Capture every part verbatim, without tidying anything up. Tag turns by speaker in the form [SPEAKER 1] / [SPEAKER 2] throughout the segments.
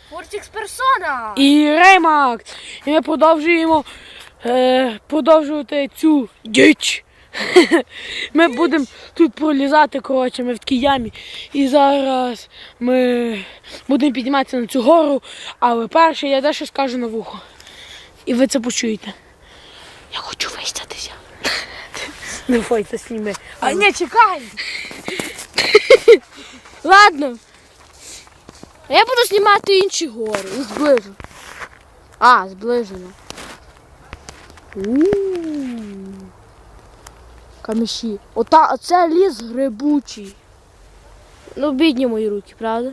[SPEAKER 1] Фортікс Персона!
[SPEAKER 2] І Реймакс. І ми продовжуємо е, продовжувати цю діч. Ми будемо тут пролізати, коротше, ми в такій ямі. І зараз ми будемо підніматися на цю гору, але перше я дещо скажу на вухо. І ви це почуєте. Я хочу вистатися. Не бойся, сніми.
[SPEAKER 1] А ні, чекай! Ладно. Я буду знімати інші гори. І зближу. А, зближено. У-у-у. Каміші. Ота, оце ліс грибучий. Ну, бідні мої руки, правда?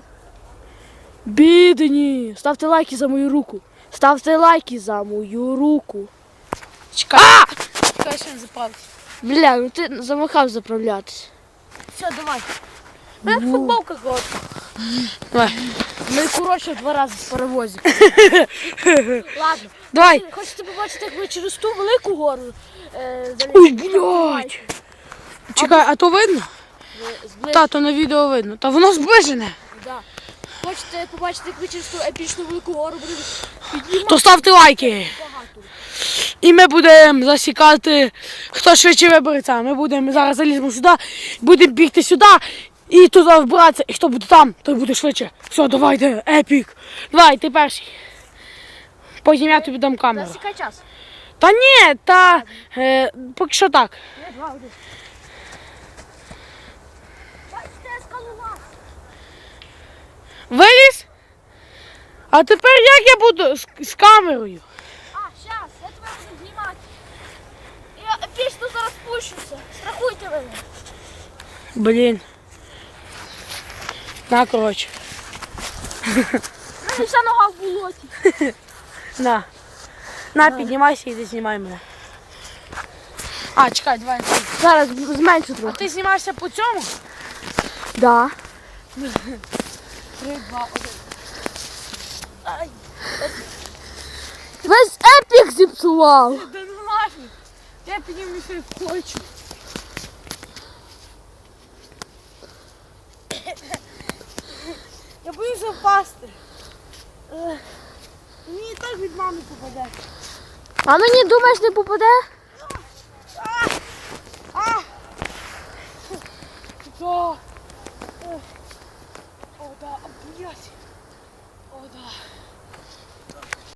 [SPEAKER 1] Бідні! Ставте лайки за мою руку. Ставте лайки за мою руку.
[SPEAKER 2] Чекай. Чекай, ще не заправся.
[SPEAKER 1] Бля, ну ти замахав заправлятися.
[SPEAKER 2] Все, давай.
[SPEAKER 1] У мене футболка коротка.
[SPEAKER 2] Давай.
[SPEAKER 1] Ми, коротше, два рази з паровозів. Ладно.
[SPEAKER 2] Давай.
[SPEAKER 1] Хочете побачити, як ми через ту велику гору е,
[SPEAKER 2] Ой, блядь. Чекай, а то видно?
[SPEAKER 1] Зближено.
[SPEAKER 2] Та, то на відео видно. Та воно зближене.
[SPEAKER 1] Да. Хочете побачити, як ми через ту епічну велику гору будемо піднімати
[SPEAKER 2] То ставте лайки.
[SPEAKER 1] багато.
[SPEAKER 2] І ми будемо засікати, хто швидше вибереться. Ми будемо зараз заліземо сюди, будемо бігти сюди і туди вбиратися. І хто буде там, той буде швидше. Все, давайте, епік. Давай, ти перший. Потім я тобі дам камеру.
[SPEAKER 1] Засікай час.
[SPEAKER 2] Та ні, та е, поки що так.
[SPEAKER 1] Не, два, один. Бачите, скалолаз.
[SPEAKER 2] Виліз? А тепер як я буду з, з камерою?
[SPEAKER 1] А, щас, я тебе буду знімати. Я епічно зараз спущуся. Страхуйте мене.
[SPEAKER 2] Блін. На, коротше.
[SPEAKER 1] У мене вся нога в болоті.
[SPEAKER 2] На. На, піднімайся і ти знімай мене. А, чекай, давай.
[SPEAKER 1] Зараз зменшу
[SPEAKER 2] А
[SPEAKER 1] трохи.
[SPEAKER 2] ти знімаєшся по цьому?
[SPEAKER 1] Да.
[SPEAKER 2] Три, два, один. Ай.
[SPEAKER 1] Весь епік зіпсував.
[SPEAKER 2] Да ну нафіг. Я піднімуся як хочу. Я боюся впасти. Ех, мені і так від мами попаде.
[SPEAKER 1] А мені, думаєш, не попаде?
[SPEAKER 2] А! А! Що? О, да, блядь. О, да.